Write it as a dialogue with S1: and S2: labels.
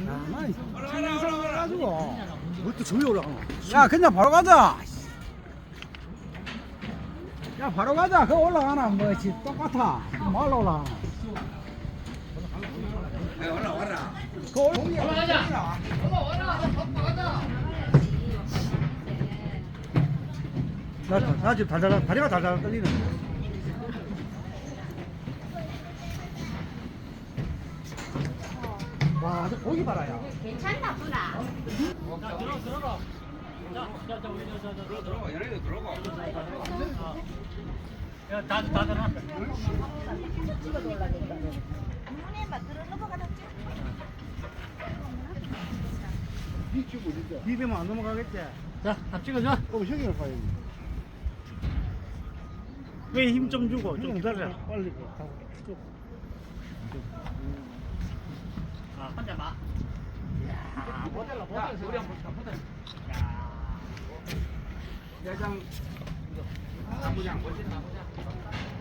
S1: 난 청년상 가가지고.
S2: 뭘또 저기 올라가노?
S1: 야, 그냥 바로 가자. 야, 바로 가자. 그거 올라가나? 뭐지? 똑같아. 말로 올라가나?
S3: 올라와라.
S1: 그거 올라가자.
S2: 나 지금 달달 다리가 달달 떨리네. 와, 저 고기 봐라야.
S4: 괜찮나 보나?
S3: 들어가. 얘네들 들어가.
S4: 문에만 들어 넘어가다
S2: 비비면 안 넘어가겠지?
S5: 자, 다 찍어줘.
S2: 그럼 형이랑 봐야지.
S5: 왜 힘 좀 주고 좀 기다려.
S2: 빨리 가고.
S5: 아, 혼자 봐.
S3: 모델로 우리 한번 볼까? 모델. 대장 나보자. 멋진 나보자.